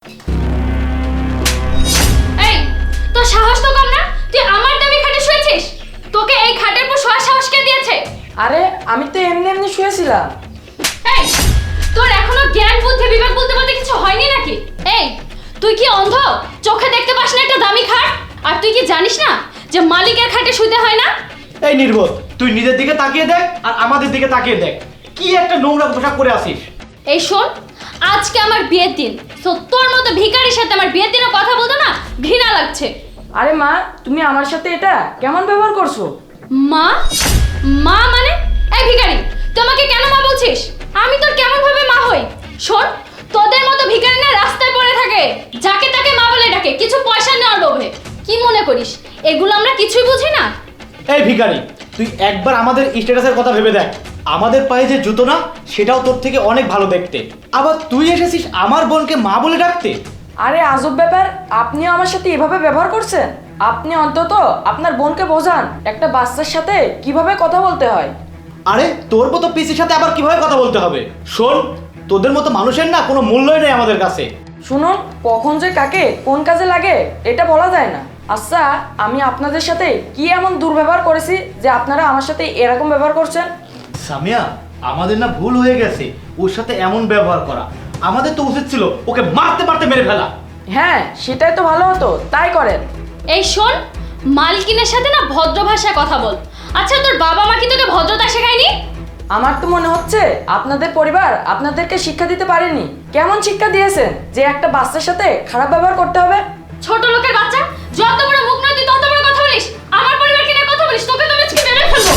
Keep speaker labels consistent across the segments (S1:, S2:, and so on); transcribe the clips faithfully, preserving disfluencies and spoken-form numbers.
S1: এই তোর সাহস তো কম না, তুই আমার দামি খাটে শুয়েছিস? তোকে এই খাটের উপর শোয়ার সাহস কে দিয়েছে?
S2: আরে আমি তো এমনি এমনি শুয়েছিলাম।
S1: এই তোর এখনো জ্ঞান বুদ্ধি বিবেক বলতে বলতে কিছু হয়নি নাকি? এই তুই কি অন্ধ? চোখে দেখতে পাস না একটা দামি খাট? আর তুই কি জানিস না যে মালিকের খাটে শুতে হয় না?
S3: এই নির্বোধ, তুই নিজের দিকে তাকিয়ে দেখ আর আমাদের দিকে তাকিয়ে দেখ, কি একটা নোংরা পোশাক পরে আসিস।
S1: এই শোন, আজকে আমার বিয়ের দিন, তো তোর মতো ভিখারির সাথে আমার বিয়ের দিনে কথা বলতো না ঘৃণা লাগছে।
S2: আরে মা, তুমি আমার সাথে এটা কেমন ব্যবহার করছো?
S1: মা? মা মানে? এই ভিখারি, তুই আমাকে কেন মা বলছিস? আমি তোর কেমন ভাবে মা হই? শোন, তোদের মতো ভিখারি না রাস্তায় পড়ে থাকে, যাকে তাকে মা বলে ডাকে কিছু পয়সা নেওয়ার লোভে। কি মনে করিস এগুলো আমরা কিছুই বুঝি না?
S3: এই ভিখারি, তুই একবার আমাদের স্ট্যাটাসের কথা ভেবে দেখ। আমাদের পায়ে যে জুতো না, সেটাও তোর থেকে অনেক ভালো দেখতে। আবার তুই এসেছিস আমার বোনকে মা বলে ডাকতে।
S2: আরে আজব ব্যাপার, আপনিও আমার সাথে এভাবে ব্যবহার করছেন? আপনি অন্তত আপনার বোনকে বোঝান একটা বাচ্চার সাথে কিভাবে কথা বলতে হয়।
S3: আরে তোর মতো পিসির সাথে আবার কিভাবে কথা বলতে হবে? শোন, তোদের মতো মানুষের না কোনো মূল্যই নেই আমাদের কাছে।
S2: শুনুন, কখন যে কাকে কোন কাজে লাগে এটা বলা যায় না। আচ্ছা, আমি আপনাদের সাথে কি এমন দুর্ব্যবহার করেছি যে আপনারা আমার সাথে এরকম ব্যবহার করছেন?
S3: সামিয়া, আমাদের না ভুল হয়ে গেছে ওর সাথে এমন ব্যবহার করা। আমাদের তো উচিত ছিল ওকে মারতে মারতে মেরে ফেলা।
S2: হ্যাঁ, সেটাই তো ভালো হতো, তাই করেন।
S1: এই শোন, মালকিনের সাথে না ভদ্র ভাষায় কথা বল। আচ্ছা তোর বাবা মা কি তোকে ভদ্রতা শেখায়নি?
S2: আমার তো মনে হচ্ছে আপনাদের পরিবার আপনাদেরকে শিক্ষা দিতে পারেনি। কেমন শিক্ষা দিয়েছেন যে একটা বাচ্চার সাথে খারাপ ব্যবহার করতে হবে?
S1: ছোট লোকের বাচ্চা, যত বড় মুখ নয় তুই তত বড় কথা বলিস। আমার পরিবারকে নিয়ে কথা বলিস, তোকে তো আমি আজকে মেরে ফেলবো।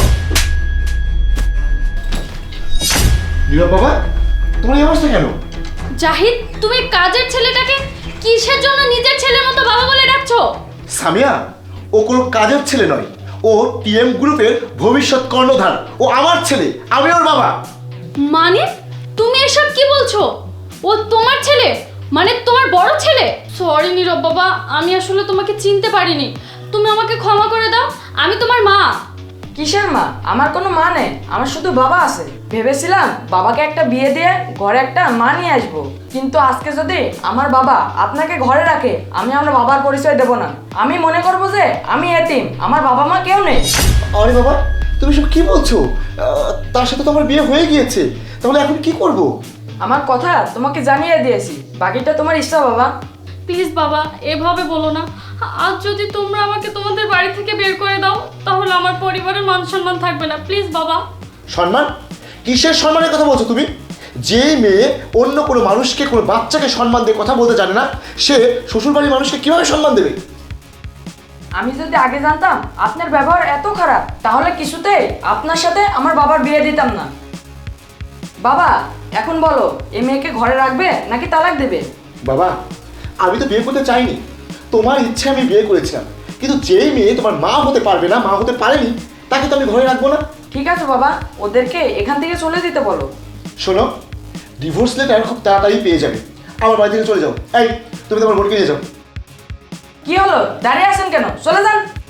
S4: নীরব বাবা, তোমার এই অবস্থা কেন?
S1: জাহিদ, তুমি কাজের ছেলেটাকে কিসের জন্য নিজের ছেলের মতো বাবা বলে ডাকছো?
S4: সামিয়া, ও কোনো কাজের ছেলে নয়, ও টিএম গ্রুপের ভবিষ্যৎ কর্ণধার। ও আমার ছেলে, আমি ওর বাবা।
S1: মানে তুমি এসব কি বলছো? ও তোমার ছেলে, মানে তোমার বড় ছেলে? সরি নীরব বাবা, আমি আসলে তোমাকে চিনতে পারিনি। তুমি আমাকে ক্ষমা করে দাও, আমি তোমার মা।
S2: কিসের মা? আমার কোনো মা নেই, আমার শুধু বাবা আছে। ভেবেছিলাম বাবাকে একটা বিয়ে দিয়ে ঘরে একটা মা নিয়ে আসবো, কিন্তু আজকে যদি আমার বাবা আপনাকে ঘরে রাখে, আমি আমার বাবার পরিচয় দেব না। আমি মনে করবো যে আমি এতিম, আমার বাবা মা কেউ নেই।
S4: আরে বাবা, তুমি সব কি বলছো? আহ, তার সাথে তো আমার বিয়ে হয়ে গিয়েছে, তাহলে এখন কি করব?
S2: আমার কথা তোমাকে জানিয়ে দিয়েছি, বাকিটা তোমার ইচ্ছা বাবা।
S1: প্লিজ বাবা, এভাবে বলো না। আজ যদি তোমরা আমাকে তোমাদের বাড়ি থেকে বের করে দাও, তাহলে আমার পরিবারের মান সম্মান থাকবে না। প্লিজ বাবা।
S4: সম্মান? কিসের সম্মানের কথা বলছো তুমি? যে মেয়ে অন্য কোনো মানুষকে, কোনো বাচ্চাকে সম্মান দিয়ে কথা বলতে জানে না, সে শ্বশুরবাড়ির মানুষকে কিভাবে সম্মান দেবে?
S2: আমি যদি আগে জানতাম আপনার ব্যবহার এত খারাপ, তাহলে কিছুতেই আপনার সাথে আমার বাবার বিয়ে দিতাম না। বাবা, এখন বলো, এই মেয়েকে ঘরে রাখবে নাকি তালাক দেবে?
S4: বাবা, আমি তো বিয়ে করতে চাইনি, তোমার ইচ্ছে আমি বিয়ে করেছিলাম, কিন্তু যেই মেয়ে তোমার মা হতে পারবে না, মা হতে পারেনি, তাকে তো আমি ঘরে রাখবো না।
S2: ঠিক আছে বাবা, ওদেরকে এখান থেকে চলে যেতে বলো।
S4: শোনো, ডিভোর্স লেটার খুব তাড়াতাড়ি পেয়ে যাবে, আমার বাড়ি থেকে চলে যাও। এই, তুমি তোমার বোনকে নিয়ে যাও।
S2: কি হলো, দাঁড়িয়ে আছেন কেন? চলে যান।